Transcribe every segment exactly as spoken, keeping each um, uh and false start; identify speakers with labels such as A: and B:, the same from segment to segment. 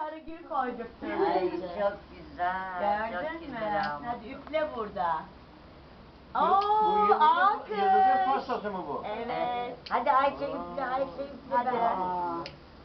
A: sarıgül koyduk.
B: Ay çok güzel. Çok
A: Gördün mü?
B: güzel ama.
A: Hadi üfle burada.
C: Bu
A: Oo,
C: yıldızın,
A: alkış.
C: yıldızın pastası mı bu?
A: Evet.
B: Hadi Ayşe üfle, Ayşe üfle.
A: Hadi.
B: ben.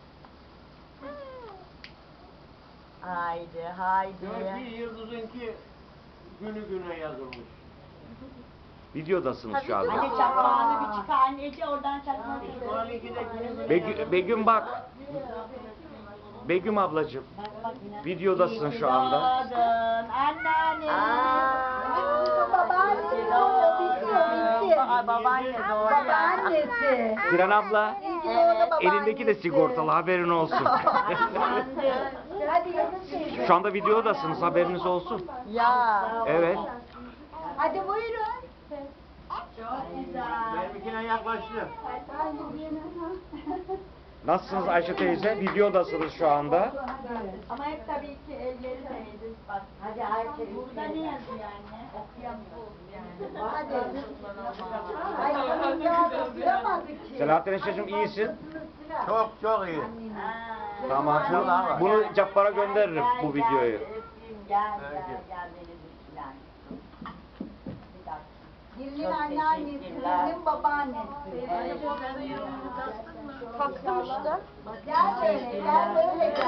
A: Haydi, haydi.
C: Diyor ki yıldızınki günü güne yazılmış.
D: Videodasınız şu anda.
A: Hadi çakmağını bir çıkar anneciğim oradan çakmağı
C: Şu an iki de günü güne
D: Begü- Begüm bak. Begüm ablacığım. Videodasın şu anda.
A: Doğdun anneanne.
B: Babaanne doğuyor, bitiyor, bitti.
A: Aa, babaanne doğuyor.
B: Babaannesi.
D: Siren abla.
B: Evet.
D: Elindeki de sigortalı, haberin olsun.
B: Hadi Yıldız teyze.
D: Şu anda videodasınız, haberiniz olsun.
A: Ya.
D: Evet.
B: Hadi buyurun.
A: Çok güzel.
C: benimkine yaklaştı.
D: Nasılsınız Ayşe teyze? Videodasınız şu anda.
A: Ama hep tabii ki elleri değdi. Bak.
B: Hadi Ayşe
A: Burada ne yazıyor anne? Okuyamıyoruz yani.
B: Hadi. Ay ya okuyamadı ki.
D: Selahattin Eşe'cim iyisin.
C: Çok çok iyi.
A: Aa.
D: Tamam.
C: Çok var.
D: Bunu Cabbar'a gönderirim
A: Gel,
D: bu
A: gel,
D: videoyu.
A: öpeyim, Gel gel
C: Peki.
A: gel beni düşüren. Bir dakika.
B: Birinin
A: Çok
B: anneannesi,
A: teşekkürler.
B: birinin babaannesi.
A: Evet.
B: Gel böyle, gel böyle gel.